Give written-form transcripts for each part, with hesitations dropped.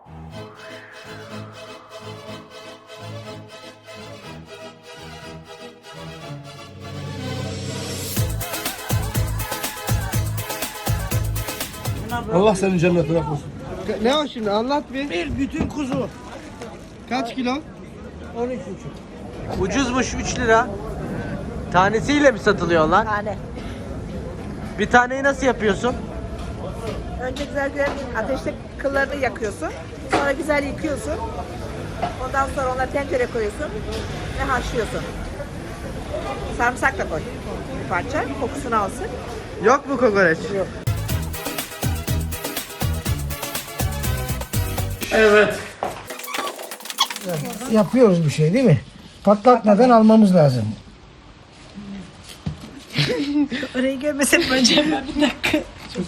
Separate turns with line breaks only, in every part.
Allah senin cennet bırakmasın.
Ne o şimdi anlat bir.
Bir bütün kuzu.
Kaç kilo?
13,5.
Ucuzmuş 3 lira. Tanesiyle mi satılıyor lan?
Tane.
Bir taneyi nasıl yapıyorsun?
Önce güzel güzel ateşte kıllarını yakıyorsun. Sonra güzel yıkıyorsun. Ondan sonra onları tencereye koyuyorsun ve haşlıyorsun. Sarımsak da koy. Bir parça kokusunu alsın.
Yok mu kokoreç?
Yok.
Yapıyoruz bir şey değil mi? Patlatmadan almamız lazım.
Orayı görmesem önce bir dakika.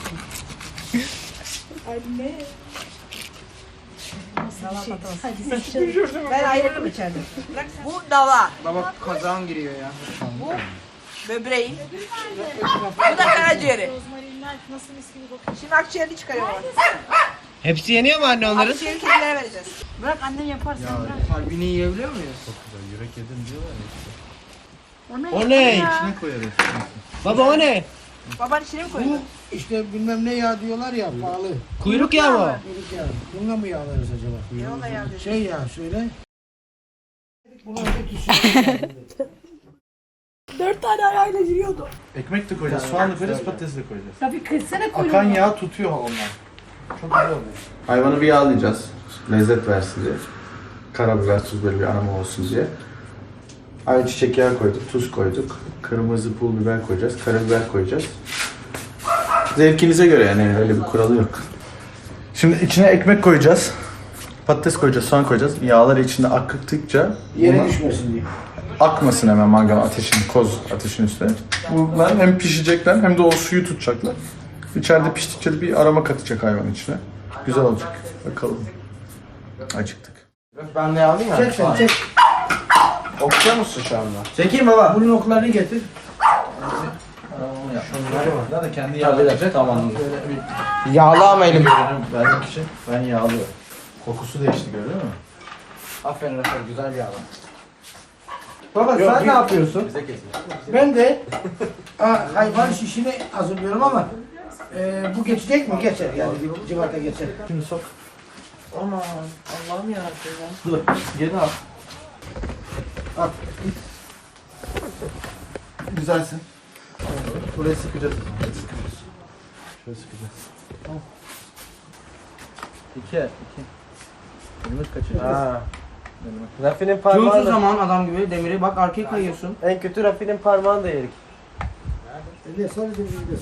Ben ayrıldım içeride. Bu dava.
Baba kazağın giriyor ya.
Bu böbreği. Bu da karaciğeri. Şimdi akciğerini çıkarıyorlar.
Hepsi yeniyor mu anne onların?
Akciğeri kedilere vereceğiz.
Kalbini yiyebiliyor muyuz?
O ne?
Baba o ne?
Baban içine mi koydu?
İşte bilmem ne yağ diyorlar ya pahalı.
Kuyruk yağı mı?
Kuyruk yağı. Bununla mı yağlarız acaba?
Ne ona yardım?
Şey ya söyle.
Dört tane ayağıyla yürüyordu.
Ekmek de koyacağız, soğan da koyacağız, patates de koyacağız.
Tabii kırsana koyuyor.
Akan yağ tutuyor onlar. Çok güzel oluyor.
Hayvanı bir yağlayacağız. Lezzet versin diye. Karabiber, tuz böyle bir aroma olsun diye. Ayçiçek yağı koyduk, tuz koyduk. Kırmızı pul biber koyacağız, karabiber koyacağız. Zevkinize göre yani öyle bir kuralı yok.
Şimdi içine ekmek koyacağız. Patates koyacağız, soğan koyacağız. Yağları içinde akıttıkça
Yere
buna
düşmesin diye.
akmasın hemen mangal ateşin, koz ateşin üstüne. Bunlar hem pişecekler hem de o suyu tutacaklar. İçeride piştikçe de bir aroma katacak hayvan içine. Güzel olacak. Bakalım. Acıktık.
Ben de alayım
Çek sen çek.
Okuyor musun şu anda? Çekeyim baba.
Bunun oklarını getir.
Şunları da kendi yağlayacak. Tamam.
Yağlı ama elim.
Vermek için ben yağlıyorum. Kokusu değişti gördün mü?
Aferin aferin güzel yağlı. Baba sen ne yapıyorsun?
Ben de hayvan şişini hazırlıyorum ama bu geçecek mi? Geçer yani bir civata geçer.
Şimdi sok.
Aman Allah'ım yarabbim ya.
Dur. Geri al. Al. Git. Güzelsin. Burayı sıkacağız. Şöyle sıkacağız. Tamam. İki. Yumruk kaçıracağız.
Ha.
Rafi'nin
Durduğu
parmağını da,
zaman adam gibi demiri bak arkaya kayıyorsun.
en kötü Rafi'nin parmağını da yerik.
Ne sadece bir de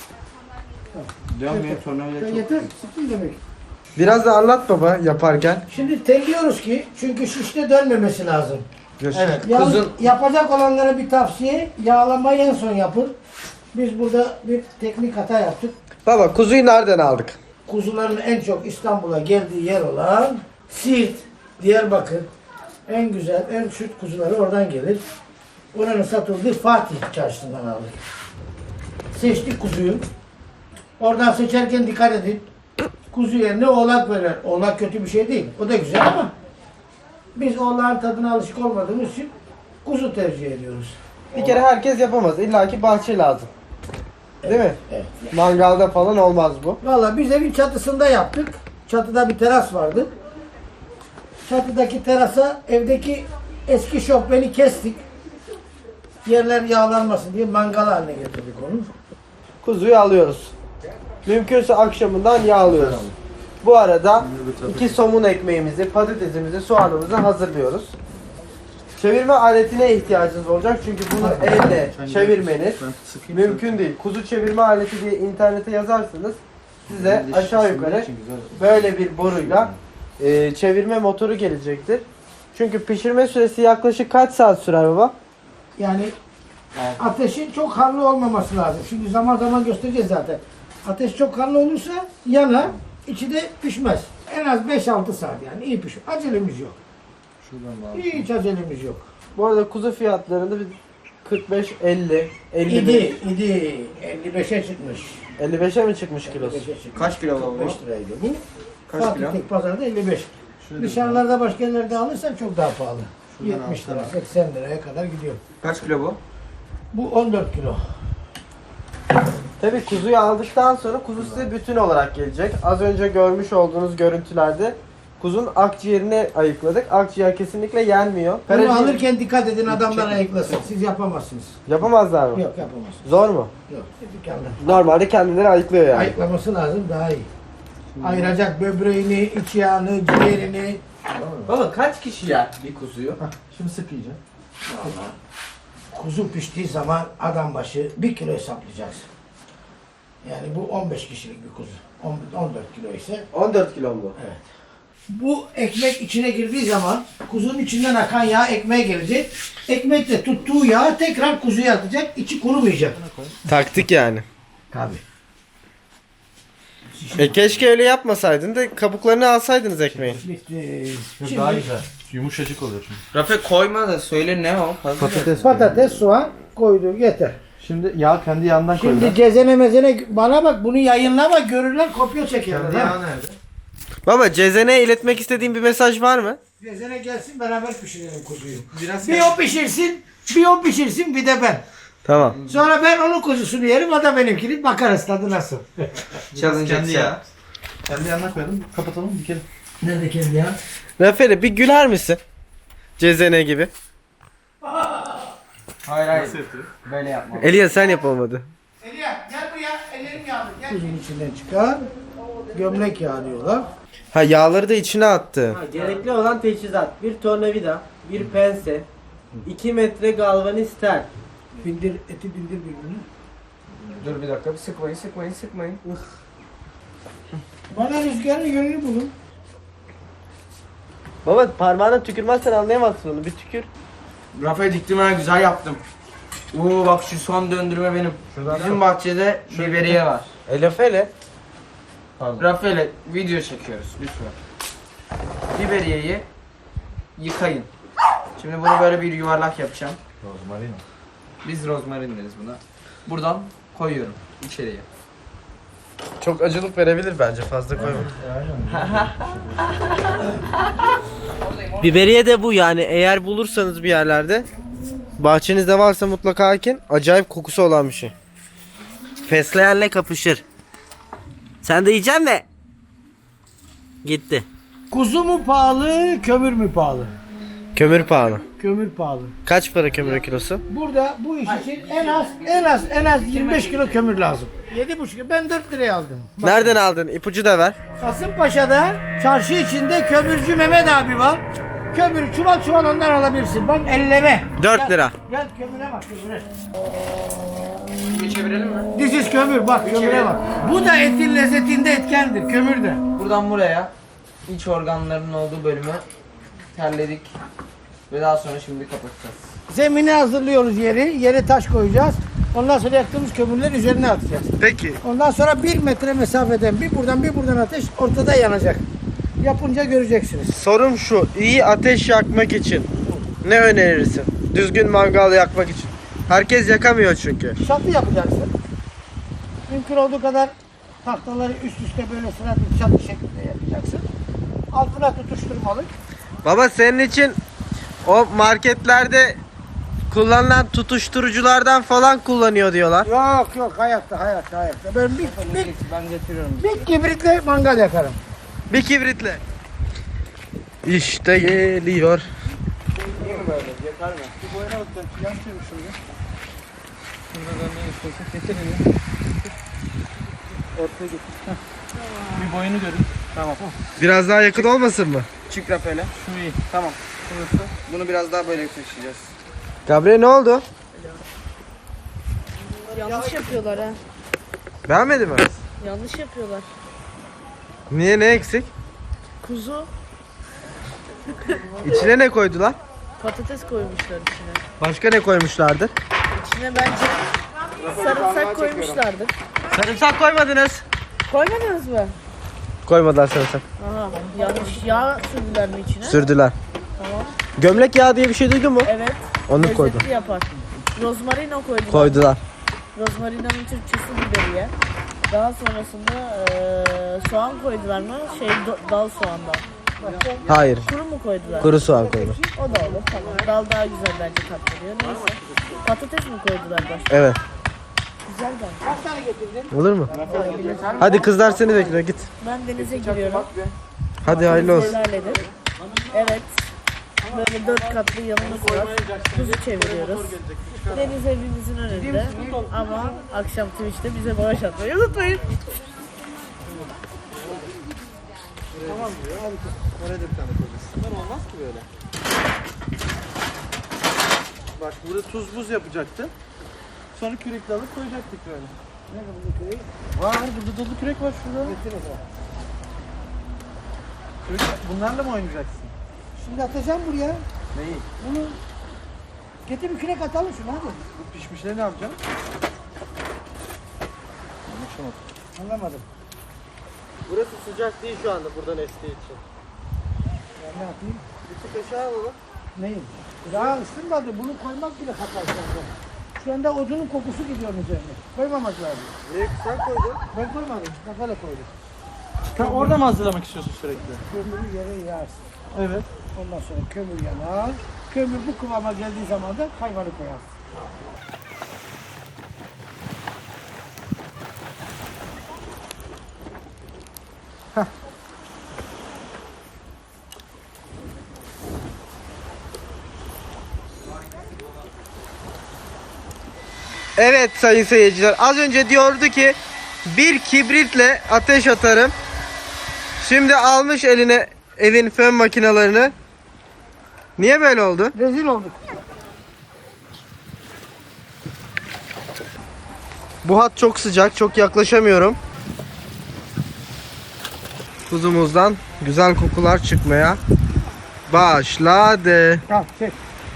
Diyorum ya tornavida çok.
yeter sıkın demek.
Biraz da anlat baba yaparken.
Şimdi telliyoruz ki çünkü şişte dönmemesi lazım.
Evet.
Yalnız
Kuzun
yapacak olanlara bir tavsiye, yağlamayı en son yapın. Biz burada bir teknik hata yaptık.
Baba kuzuyu nereden aldık?
Kuzuların en çok İstanbul'a geldiği yer olan Siirt, Diyarbakır, en güzel, en süt kuzuları oradan gelir. Oranın satıldığı Fatih Çarşısı'ndan aldık. Seçtik kuzuyu. Oradan seçerken dikkat edin. Kuzu yerine oğlak verir. Oğlak kötü bir şey değil. O da güzel ama biz oğlağın tadına alışık olmadığımız için kuzu tercih ediyoruz.
Bir kere herkes yapamaz. İlla ki bahçe lazım. Değil mi?
Evet.
Mangalda falan olmaz bu.
Valla biz evin çatısında yaptık. Çatıda bir teras vardı. Çatıdaki terasa evdeki eski şofbeni kestik. Yerler yağlanmasın diye mangal haline getirdik onu.
Kuzuyu alıyoruz. Mümkünse akşamından yağlıyoruz. Bu arada 2 somun ekmeğimizi, patatesimizi, soğanımızı hazırlıyoruz. Çevirme aletine ihtiyacınız olacak çünkü bunu elle çevirmeniz mümkün değil. Kuzu çevirme aleti diye internete yazarsanız size aşağı yukarı böyle bir boruyla çevirme motoru gelecektir. Çünkü pişirme süresi yaklaşık kaç saat sürer baba?
Yani ateşin çok harlı olmaması lazım. Şimdi zaman zaman göstereceğiz zaten. Ateş çok harlı olursa yanar, içi de pişmez. En az 5-6 saat yani iyi pişiyor. Acelemiz yok. Hiç acelemiz yok.
Bu arada kuzu fiyatlarında bir 45, 50, 50
İdi. 55'e çıkmış.
55'e mi çıkmış kilosu?
55'e çıkmış.
Kaç kilo baba?
45 liraydı bu. Fatih tek pazarda 55. Dışarılarda başka yerlerde alırsan çok daha pahalı. 70 lira, 80 liraya kadar gidiyor.
Kaç kilo bu?
Bu 14 kilo.
Tabii kuzuyu aldıktan sonra kuzu size bütün olarak gelecek. Az önce görmüş olduğunuz görüntülerde kuzun akciğerini ayıkladık. Akciğer kesinlikle yenmiyor.
Bunu alırken dikkat edin, adamlar ayıklasın. Siz yapamazsınız.
Yapamazlar mı?
Yok, yapamazsınız.
Zor mu?
Yok, dükkanda.
Normalde kendileri ayıklıyor yani.
Ayıklaması lazım, daha iyi. Ayıracak böbreğini, iç yağını, ciğerini.
Baba kaç kişi yer bir kuzuyu?
Şimdi sık iyice.
Kuzu piştiği zaman adam başı 1 kilo hesaplayacaksın. Yani bu 15 kişilik bir kuzu. 14 kilo ise.
14 kilo mu bu?
Evet. Bu ekmek içine girdiği zaman kuzunun içinden akan yağ ekmeğe gelecek. Ekmek de tuttuğu yağ tekrar kuzuya atacak. İçi kurumayacak.
Taktik yani.
Tabii.
Keşke öyle yapmasaydın da kabuklarını alsaydınız ekmeğin.
Bitti.
Daha
Şimdi
güzel. Yumuşacık oluyor çünkü.
Rafe koyma da söyle ne o?
patates, soğan koydu yeter.
Şimdi yağ kendi yağından
Şimdi cezene mezene bana bak, bunu yayınlama, görürler, kopya çekerler. ha.
nerede?
Baba Cezen'e iletmek istediğin bir mesaj var mı?
Cezene gelsin, beraber pişirelim kuzuyu.
Biraz
Bir o pişirsin, bir de ben.
Tamam.
Sonra ben onun kuzusunu yerim, o da benimkini, bakarız tadı nasıl.
challenge
Kendi
et ya.
yağ. Kendi yağından koyalım. Kapatalım bir kere.
Nerede kendi ya?
Raferi bir güler misin? Cezene gibi.
Hayır. Böyle yapma.
Elia sen yapamadı.
Elia gel buraya, ellerim yağlı. Gel. Kuzun içinden çıkar, gömlek yağı diyorlar.
Ha yağları da içine attı.
Gerekli olan teçhizat: bir tornavida, bir pense, 2 metre galvaniz tel.
Bindir, eti bindir birbirine.
Dur bir dakika. Sıkmayın.
Bana rüzgarın yönünü bulun.
Baba parmağına tükürmezsen anlayamazsın onu. Bir tükür.
Rafe diktim ha, güzel yaptım. Oo bak şu son döndürme benim. Bizim bahçede biberiye var.
Elafele.
Rafael'e video çekiyoruz lütfen. Biberiyeyi yıkayın. Şimdi bunu böyle bir yuvarlak yapacağım.
Rozmarin.
Biz rozmarin deriz buna. Buradan koyuyorum içeriye.
Çok acılık verebilir bence, fazla koyma. Biberiye de bu yani, eğer bulursanız bir yerlerde, bahçenizde varsa mutlaka ekin. Acayip kokusu olan bir şey. Fesleğenle kapışır. Sen de yiyeceksin mi? Gitti.
Kuzu mu pahalı, kömür mü pahalı?
Kömür pahalı.
Kömür pahalı.
Kaç para kömür kilosu?
Burada bu iş için en az 25 kilo kömür lazım. 7,5 kilo. Ben 4 liraya aldım.
Nereden aldın? İpucu da ver.
Kasımpaşa'da çarşı içinde kömürcü Mehmet abi var. Kömür çuval ondan alabilirsin. Bak elleme.
4 lira.
Gel kömüre bak, kömüre.
Bir çevirelim mi?
This is kömür, bak kömüre bak. Bu da etin lezzetinde etkendir, kömür de.
Buradan buraya iç organlarının olduğu bölümü terledik. Ve daha sonra şimdi kapatacağız.
Zemini hazırlıyoruz yeri. Yere taş koyacağız. Ondan sonra yaktığımız kömürleri üzerine atacağız.
Peki.
Ondan sonra 1 metre mesafeden bir buradan ateş ortada yanacak. Yapınca göreceksiniz.
Sorum şu, iyi ateş yakmak için ne önerirsin? Düzgün mangal yakmak için. Herkes yakamıyor çünkü.
Çatı yapacaksın. Mümkün olduğu kadar tahtaları üst üste böyle sıra bir çatı şeklinde yapacaksın. Altına tutuşturmalı.
Baba senin için o marketlerde kullanılan tutuşturuculardan falan kullanıyor diyorlar.
Yok hayatta. Ben
Ben getiriyorum.
bir kibritle mangal yakarım.
Bir kibritle. İşte geliyor.
Bir boyunu görün.
Biraz daha yakın olmasın mı?
Çık Rafael'e.
Şu iyi.
Tamam. Şurası. Bunu biraz daha böyle taşıyacağız.
Gabriel ne oldu?
Yanlış yapıyorlar ha.
Beğenmedi mi?
Yanlış yapıyorlar.
Niye, ne eksik?
Kuzu,
İçine ne koydular?
patates koymuşlar içine.
Başka ne koymuşlardır?
İçine bence sarımsak koymuşlardır.
Sarımsak koymadınız.
Koymadınız mı?
Koymadılar sarımsak.
Aha, yanlış yağ sürdüler mi içine?
Sürdüler.
Tamam.
Gömlek yağı diye bir şey duydun mu?
Evet.
Onu
Lezzetli
koydu.
yapar. Rozmarino koydular.
Koydular.
Rozmarino'nun Türkçesi biberiye. Daha sonrasında soğan koydular mı? Dal soğandan.
Hayır.
Kuru mu koydular?
Kuru soğan koydular.
O da olur tamam. Dal daha güzel bence tat veriyor. Neyse. Patates mi koydular başka?
Evet.
Güzel bence.
Olur mu? Hadi kızlar seni bekliyor git.
Ben denize giriyorum.
Hadi hayırlı olsun.
Helal edin. Evet. Böyle 4 katlı yanımız var. Kuzu çeviriyoruz. Deniz evimizin önünde. Ama akşam Twitch'te bize bağış atmayı unutmayın.
Bak burada tuz buz yapacaktı. Sonra kürekle alıp koyacaktık böyle.
Nerede bu kürek?
Var burada dolu kürek var şurada.
Getir o zaman.
Bunlarla mı oynayacaksın?
Şimdi atacağım buraya.
Neyi?
Bunu getir bir kürek atalım şunu hadi.
Bu pişmişleri ne yapacaksın?
Anlamadım.
Burası sıcak değil şu anda buradan estiği için.
Ben ne yapayım?
Bir tık aşağı alalım.
Neyim? Daha ısınmadı. Bunu koymak bile hata şu anda. Şu anda odunun kokusu gidiyor üzerine. Koymamak lazım.
Niye sen koydun?
Ben koymadım. Kafayla koydum.
Sen orada mı hazırlamak istiyorsun sürekli?
Kömürü yere yağarsın.
Evet.
Ondan sonra kömür yanar. Kömür bu kıvama geldiği zaman da hayvanı koyarsın.
Evet sayın seyirciler, az önce diyordu ki bir kibritle ateş atarım. Şimdi almış eline evin fön makinalarını. Niye böyle oldu?
Rezil olduk.
Bu hat çok sıcak, çok yaklaşamıyorum. Kuzumuzdan güzel kokular çıkmaya başladı.
Al çek.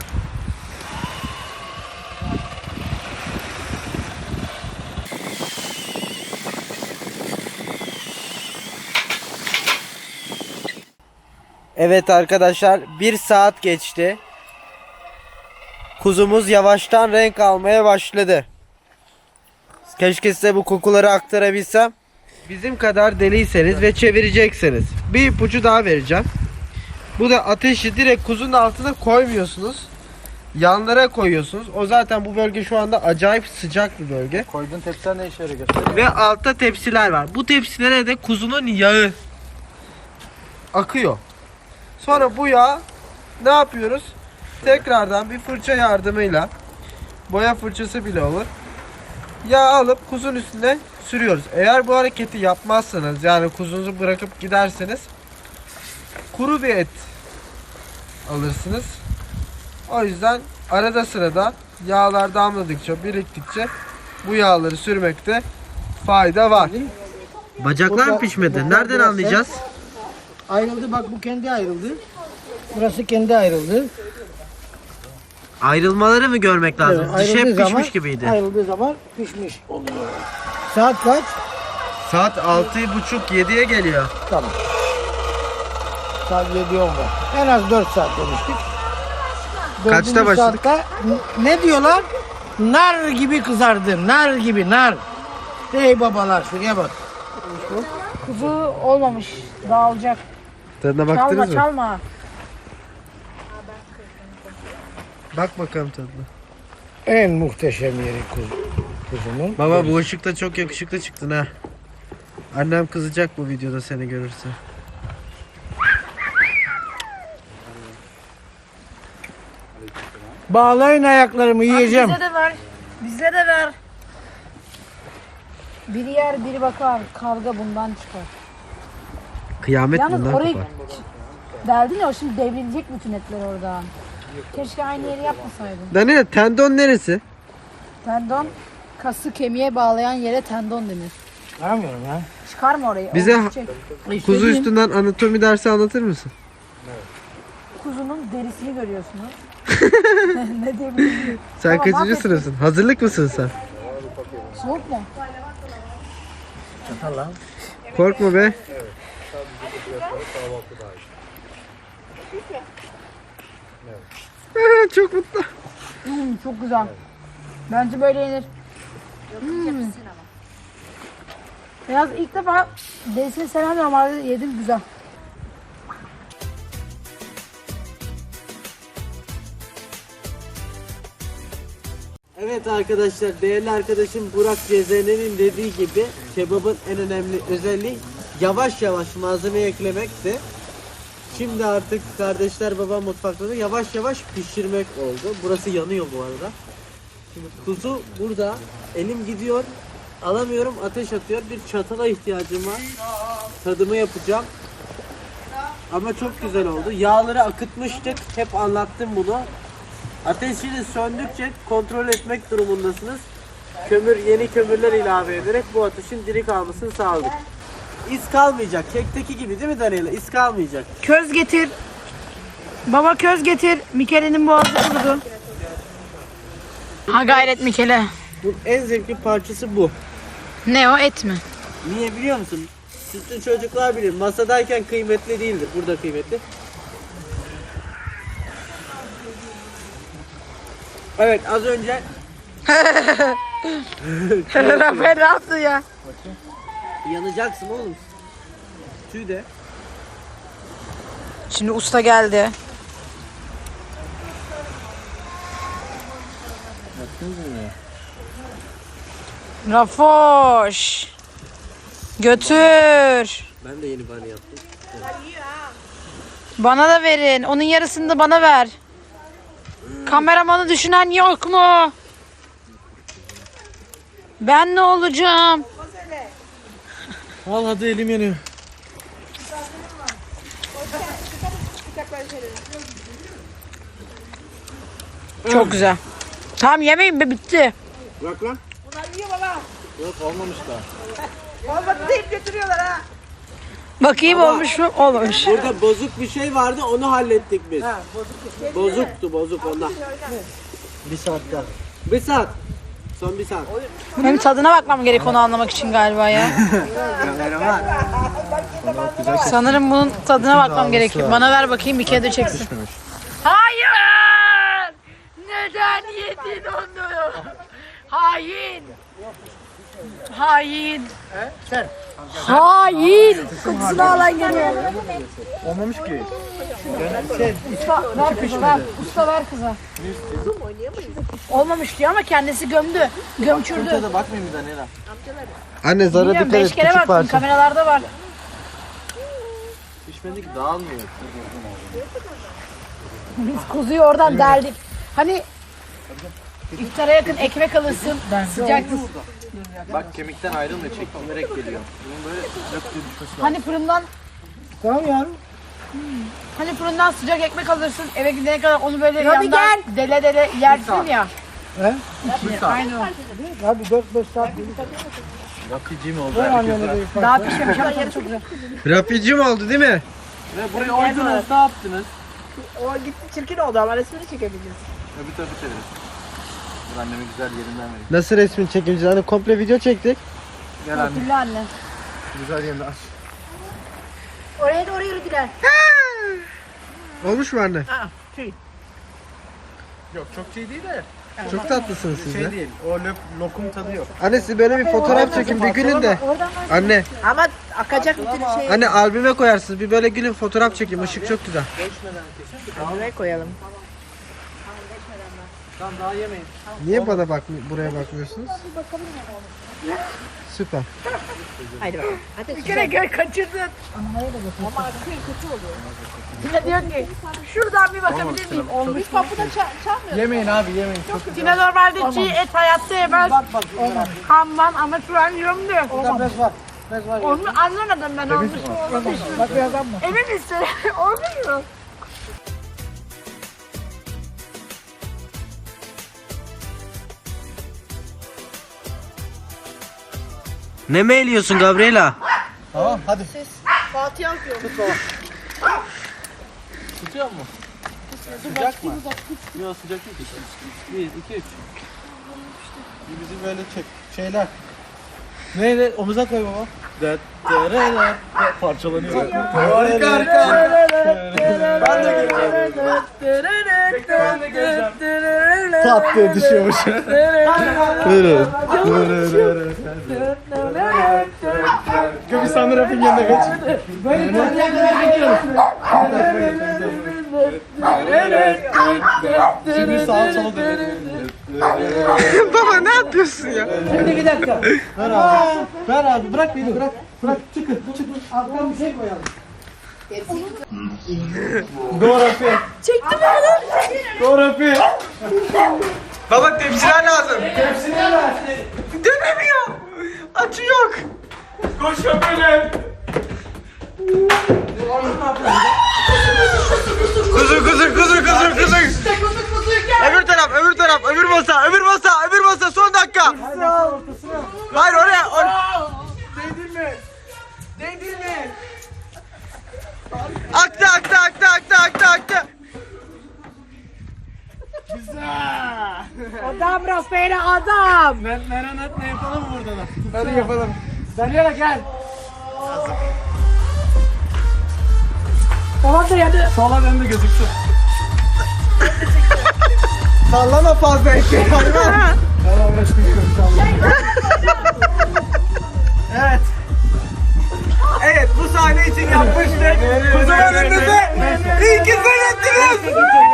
Evet arkadaşlar, 1 saat geçti. Kuzumuz yavaştan renk almaya başladı. Keşke size bu kokuları aktarabilsem. Bizim kadar deliyseniz ve çevirecekseniz bir ipucu daha vereceğim. Bu da ateşi direkt kuzunun altına koymuyorsunuz. Yanlara koyuyorsunuz. O zaten bu bölge şu anda acayip sıcak bir bölge.
Koyduğun tepsiler ne işe yarıyor?
Ve altta tepsiler var. Bu tepsilere de kuzunun yağı akıyor. Sonra bu yağ ne yapıyoruz? Tekrardan bir fırça yardımıyla, boya fırçası bile olur, yağ alıp kuzun üstüne sürüyoruz. Eğer bu hareketi yapmazsanız, yani kuzunuzu bırakıp giderseniz kuru bir et alırsınız. O yüzden arada sırada yağlar damladıkça, biriktikçe bu yağları sürmekte fayda var. Bacaklar mı pişmedi? Nereden anlayacağız?
Ayrıldı bak, bu kendi ayrıldı. Burası kendi ayrıldı.
Ayrılmaları mı görmek lazım?
Evet,
Dışı hep
ayrıldığı
pişmiş
zaman-
gibiydi.
Ayrıldığı zaman pişmiş oluyor. Saat kaç?
Saat 6.30-7'ye geliyor.
Tamam. Saat 7:10 var. En az 4 saat demiştik.
Kaçta
Dördüncü
başladık?
saatte ne diyorlar? Nar gibi kızardı. Nar gibi nar. Ey babalar şuraya bak.
Kuzu olmamış. Dağılacak.
Tadına
Çalma
baktınız mı?
çalma.
Bak bakalım tadına.
En muhteşem yeri kuzunun.
Baba bu ışıkta çok yakışıklı çıktın ha. Annem kızacak bu videoda seni görürse.
Bağlayın ayaklarımı, yiyeceğim.
Bize de ver. Bize de ver. Biri yer biri bakar. Kavga bundan çıkar.
Kıyamet
Yalnız
bundan
orayı
kopar.
derdin ya, şimdi devrilecek bütün etler oradan. Keşke aynı yeri yapmasaydın.
Daniel, tendon neresi?
Tendon, kası kemiğe bağlayan yere tendon denir.
Anlamıyorum ya.
Çıkarma orayı.
Bize
onu çek.
Kuzu
İstediğin-
üstünden anatomi dersi anlatır mısın?
Kuzunun derisini görüyorsunuz. Ne diyebilirim?
Sen
Tamam,
kaçıncı
affet.
sınıfsın? Hazırlık mısın sen?
Soğuk mu?
Korkma be. Çok mutlu.
Çok güzel. Bence böyle yenir.
Beyaz ilk defa Beysin'i seven normalde yedim güzel.
Evet arkadaşlar, değerli arkadaşım Burak Cezene'nin dediği gibi kebabın en önemli özelliği yavaş yavaş malzeme eklemekti. Şimdi artık kardeşler baba mutfakta da yavaş yavaş pişirmek oldu. Burası yanıyor bu arada. Şimdi kuzu burada, elim gidiyor, alamıyorum, ateş atıyor. Bir çatala ihtiyacım var. Tadımı yapacağım. Ama çok güzel oldu. Yağları akıtmıştık. Hep anlattım bunu. Ateşini söndükçe kontrol etmek durumundasınız. Yeni kömürler ilave ederek bu ateşin diri kalmasını sağladık. İz kalmayacak. Kekteki gibi değil mi Daniela? İz kalmayacak.
Köz getir. Baba köz getir. Mikele'nin boğazı kurudu. Ha gayret Mikele.
Bu en zevkli parçası bu.
Ne o, et mi?
Niye biliyor musun? Sütlü çocuklar bilir. Masadayken kıymetli değildir. Burada kıymetli. Evet, az önce
Rafael ne yaptı ya?
yanacaksın oğlum. Tüy de.
Şimdi usta geldi. Rafoş. Götür.
Ben de yeni bani yaptım.
Bana da verin. Onun yarısını da bana ver. Kameramanı düşünen yok mu? Ben ne olacağım?
Al hadi, elim yanıyor.
Çok güzel. Tamam yemeyin be, bitti.
Bırak lan.
Bunlar yiyor baba.
Yok, olmamış daha.
Olmadı deyip götürüyorlar ha.
Bakayım
Ama-
olmuş mu? Olmamış.
Burada bozuk bir şey vardı, onu hallettik biz. Bozuktu ondan. Bir saat daha. Bir saat. Son bir saat.
Benim tadına bakmam gerek onu anlamak için galiba ya.
Kameraman.
Sanırım bunun tadına bakmam gerekiyor. Bana ver bakayım, bir kere de çeksin. Hayır! Neden yedin onu? Hain! Hain! Hain! Kokusunu alan geliyor.
Olmamış ki.
Ver, usta ver kıza. Olmamış diyor ama kendisi gömdü. Gömçürdü.
Da bakmayayım bir Daniela.
Anne zara
Bilmiyorum,
dikkat
5
et,
kere
küçük
baktım,
parça.
kameralarda var.
Pişmedi ki, dağılmıyor.
Biz kuzuyu oradan deldik. Hani iftara yakın ekmek alırsın, sıcak.
Bak, kemikten ayrılmıyor, çektirerek geliyor. Bunun böyle sıcak suyu düşmesi.
Hani fırından,
Tamam yavrum.
hani fırından sıcak ekmek alırsın, eve gidene kadar onu böyle yandan dele dele yersin ya.
He?
Aynı o.
Abi 4-5 saat.
Rapicim oldu.
Daha pişmemiş ama tadı çok güzel.
Rapicim oldu değil mi?
Ve buraya oydunuz, ne yaptınız?
O gitti çirkin oldu ama resmini çekebiliriz.
Öbür tarafı çevirin. Dur, anneme güzel yerinden vereyim.
Nasıl resmini çekeceğiz? Hani komple video çektik.
Gel anne.
Hatırlı anne.
Güzel yerini aç.
Oraya doğru yürüdüler.
Olmuş mu anne?
Yok çok şey değil de.
Çok tatlısınız siz
Şey
de.
değil. O lokum tadı yok.
Anne siz böyle bir fotoğraf çekin, bir gülün de. Anne,
Ama akacak bütün şey.
anne albüme koyarsınız. Bir böyle gülün, fotoğraf çekin. Işık çok güzel.
Buraya koyalım.
Tamam, daha yemeyin.
Niye buraya bakmıyorsunuz? Süper.
Haydi bakalım. Hadi
Bir kere kaçırdın.
ama akıyor kötü oluyor.
Tina diyor ki şuradan bir bakabilir miyim? Olmuş.
Biz kapıda çalmıyoruz.
Yemeyin abi yemeyin.
Tina normalde çiğ et hayatta yemez. Kanman ama şu an yiyorum diyor.
Bez var. Bez var.
Onu anlamadım ben, olmuş mu olmamış mı?
Bak bir adam mı?
Emin misin? Olmuş mu?
Ne meyliyorsun Gabriela?
Tamam hadi.
Fatih akıyor.
Tutuyor mu? Sıcak mı? Yok, sıcak değil. 1, 2, 3.
Bizi böyle çek. Şeyler. Neyle? Omuza koy baba. Parçalanıyor. Harika harika. Ben de geleceğim. Pat diye düşüyormuş. bir Sami Raf'ın yanına geç.
Böyle dörtlüğe kadar gidiyoruz.
Şimdi sağa sola dön.
Baba ne yapıyorsun ya?
Şimdi bir dakika. Ver abi. Ver abi. Bırak beni bırak. Bırak çıkın. Çıkın. Alttan bir şey koyalım.
Coğrafya.
Çektim onu.
Coğrafya.
Baba tepsiler lazım.
Tepsiler var.
Dönemiyor. Açı yok.
Koş böyle.
Kuzur. Öbür taraf, öbür masa, son dakika. Hayır oraya. Değdirme. Aktı.
Adam rafere adam.
Meranat ne yapalım mı burada da?
Hadi yapalım.
Daniela gel.
Tamam da yani.
Sola dön de gözüksün.
Sallama fazla ekmeği.
Tamam aşkım inşallah.
Evet bu sahne için yapmıştık. Kuzuların önünüze iyi ki seyrettiniz.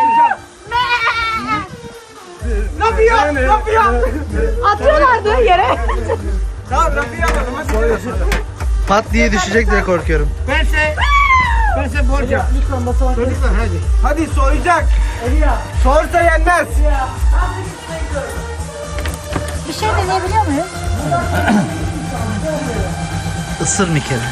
Ne yapıyor?
Atıyorlardı yere.
Tamam Rafi'yi alalım hadi.
Pat diye düşecek diye korkuyorum.
Ben borcam. Lütfen masaya. Lütfen hadi.
Hadi soyacak. Sorsa yenmez.
Bir şey deneyebiliyor muyuz?
Isır bir kere.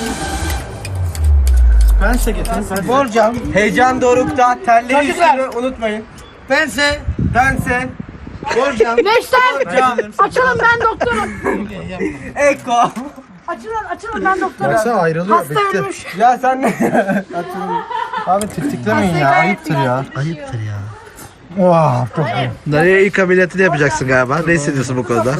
Pense getirin.
Borcam. Heyecan dorukta. Telleri üstünü unutmayın.
Pense.
Bense. Borcam.
Neşter. Açılın ben doktorum.
Eko.
Açılın ben doktorum.
Ayrılıyor.
Hasta ölmüş.
Ya sen ne?
Abi tiktiklemeyin ya. Ayıptır ya.
Ayıptır ya.
Vah çok iyi.
Dayıya ilk ameliyatını yapacaksın galiba. Ne hissediyorsun bu konuda?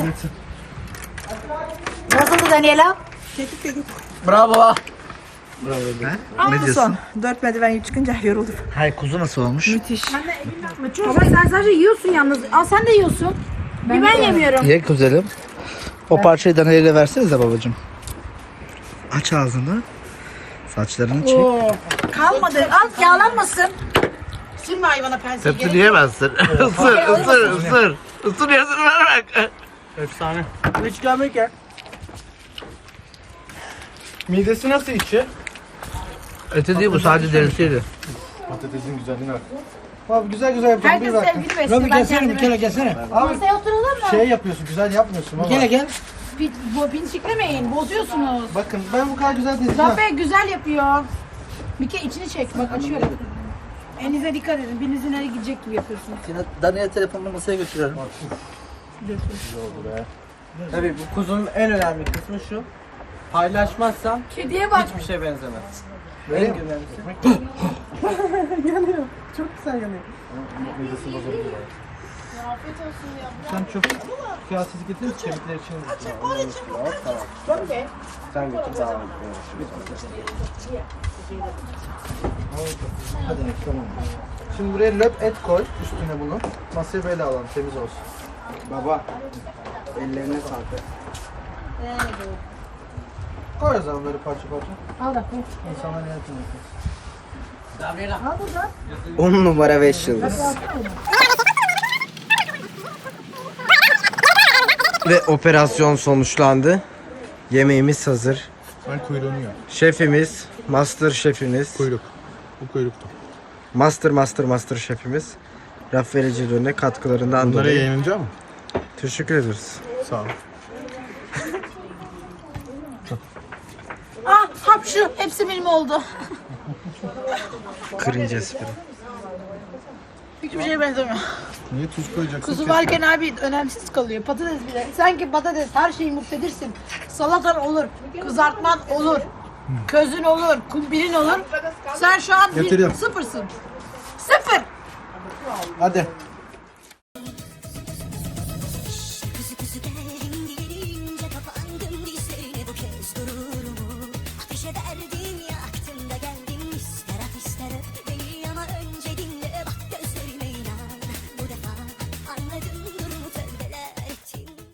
Nasıldı Daniela?
Bravo.
Ne diyorsun?
4 merdiven çıkınca yoruldum.
Hayır kuzu nasıl olmuş?
Baba sen sadece yiyorsun yalnız. Al sen de yiyorsun. Ben yemiyorum.
Ye güzelim. O parçayı Daniel'e versenize babacığım. Aç ağzını. Saçlarını çek.
Kalmadı. Al yağlanmasın. Sürme hayvana penseyi.
Hepsini yiyemezsin. Isır. Isır yazını ver bak.
Efsane. Hiç gelmek ya.
Midesi nasıl içi?
Eti değil bu sadece derisiydi.
Patatesin güzelliğine bak.
Abi güzel yapalım.
Herkes sevgili besliyor.
Abi
Ben
gelsene bir
kendime.
kere gelsene. Abi
Masaya oturalım mı?
şey yapıyorsun güzel yapmıyorsun ama. Gel.
Pinçiklemeyin. Bozuyorsunuz.
Bakın ben bu kadar güzel değilim.
Zafer güzel yapıyor. Bir kere içini çek. Bak açıyorum. Elinize dikkat edin. Birinizin nereye gidecek gibi yapıyorsunuz.
Daniel telefonunu masaya götürüyorum.
Tabii bu kuzunun en önemli kısmı şu. Paylaşmazsan
Kediye bak.
hiçbir şey benzemez. En önemlisi. Yanıyor. Çok güzel yanıyor.
Sen çok kıyasız getirin kemikler için.
Sen götür daha
Hadi tamam. Şimdi buraya löp et koy üstüne bunu. Masayı böyle alalım temiz olsun.
Baba. Ellerine sağlık.
Koy o zaman böyle parça parça.
Al da koy.
İnsanlar yönetimi yapıyor.
Al burada.
10 numara 5 yıldız. Ve operasyon sonuçlandı. Yemeğimiz hazır.
Ben kuyruğunu yiyorum.
Şefimiz, master şefimiz,
Kuyruk. Bu kuyruktu.
master şefimiz Rafael Cedon'e katkılarından
Bunları
dolayı
yayınlanacak mı?
teşekkür ederiz.
Sağ ol.
Ah hapşu. Hepsi benim oldu.
Cringe espri.
Hiçbir şeye benzemiyor.
Niye tuz koyacaksın?
Kuzu varken abi önemsiz kalıyor. Patates bile. Sanki patates her şeyi muktedirsin. Salatan olur. Kızartman olur. Közün olur. Kumbirin olur. Sen şu an
Getiriyorum.
sıfırsın. Sıfır.
Hadi.